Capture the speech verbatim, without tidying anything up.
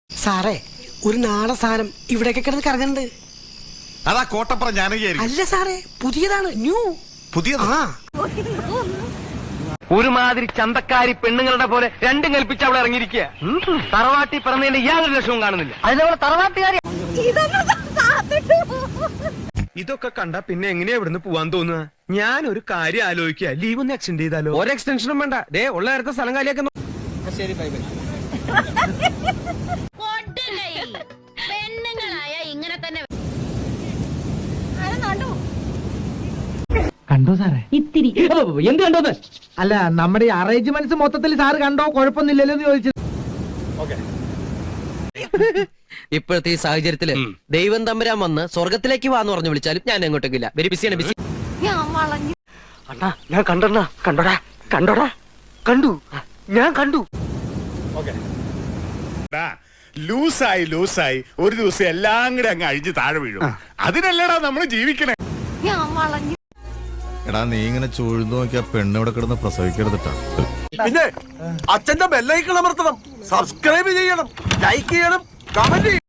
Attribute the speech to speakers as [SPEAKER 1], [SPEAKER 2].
[SPEAKER 1] സാറേ ഒരു നാടൻ സാധനം ഇവിടെയൊക്കെ കിടന്ന് കറങ്ങുന്നുണ്ട്.
[SPEAKER 2] അതാ കോട്ടപ്പുറം ജാനകിയായിരിക്കും.
[SPEAKER 1] അല്ല സാറേ, പുതിയതാണ്, ന്യൂ.
[SPEAKER 2] പുതിയത്?
[SPEAKER 1] ആ
[SPEAKER 3] ഒരുമാതിരി ചന്തക്കാരി പെണ്ണുങ്ങളുടെ പോലെ രണ്ടും കൽപ്പിച്ച് അവിടെ ഇറങ്ങിയിരിക്കുക. തറവാട്ടി പറഞ്ഞതിന്റെ യാതൊരു ലക്ഷവും കാണുന്നില്ല. അതിനവളെ തറവാട്ടുകാരി.
[SPEAKER 4] ഇതൊക്കെ കണ്ട പിന്നെ എങ്ങനെയാ ഇവിടുന്ന് പോവാൻ തോന്നുക? ഞാൻ ഒരു കാര്യം ആലോചിക്കുക, ലീവ് ഒന്ന് എക്സ്റ്റെൻഡ് ചെയ്താലോ? ഒരു എക്സ്റ്റൻഷനും വേണ്ട, ദേ ഉള്ള നേരത്തെ സ്ഥലം കാലിയാക്കുന്നു. ശരി, ബൈ ബൈ.
[SPEAKER 5] പെണ്ണുങ്ങളായ ഇങ്ങനെ തന്നെ
[SPEAKER 6] കണ്ടോ സാറേ?
[SPEAKER 3] ഇത്തിരി എന്ത് കണ്ടോന്ന്?
[SPEAKER 6] അല്ല, നമ്മുടെ ഈ അറേഞ്ച്മെന്റ്സ് മൊത്തത്തിൽ സാറ് കണ്ടോ? കുഴപ്പമൊന്നുമില്ലല്ലോ എന്ന് ചോദിച്ചത്.
[SPEAKER 7] ഇപ്പോഴത്തെ ഈ സാഹചര്യത്തില് ദൈവം തമ്പുരാൻ വന്ന് സ്വർഗത്തിലേക്ക് വാന്ന് പറഞ്ഞു വിളിച്ചാലും ഞാൻ എങ്ങോട്ടേക്കില്ല. വെരി ബിസിയാണ്, ബിസി.
[SPEAKER 3] അണ്ണാ ഞാൻ കണ്ടണ്ണ. കണ്ടോടാ കണ്ടോടാ കണ്ടു, ഞാൻ കണ്ടു.
[SPEAKER 2] ലൂസായി ലൂസായി ഒരു ദിവസം എല്ലാം കൂടെ അങ്ങ് അഴിഞ്ഞ് താഴെ വീഴും. അതിനല്ലടാ നമ്മള് ജീവിക്കണേ.
[SPEAKER 8] എടാ, നീ ഇങ്ങനെ ചൂഴ്ന്നു നോക്കിയാ പെണ്ണിവിടെ കിടന്ന് പ്രസവിക്കരുതിട്ടാ.
[SPEAKER 9] പിന്നെ അച്ഛന്റെ ബെല്ലൈക്കൺ അമർത്തണം, സബ്സ്ക്രൈബ് ചെയ്യണം, ലൈക്ക് ചെയ്യണം, കമന്റ് ചെയ്യണം.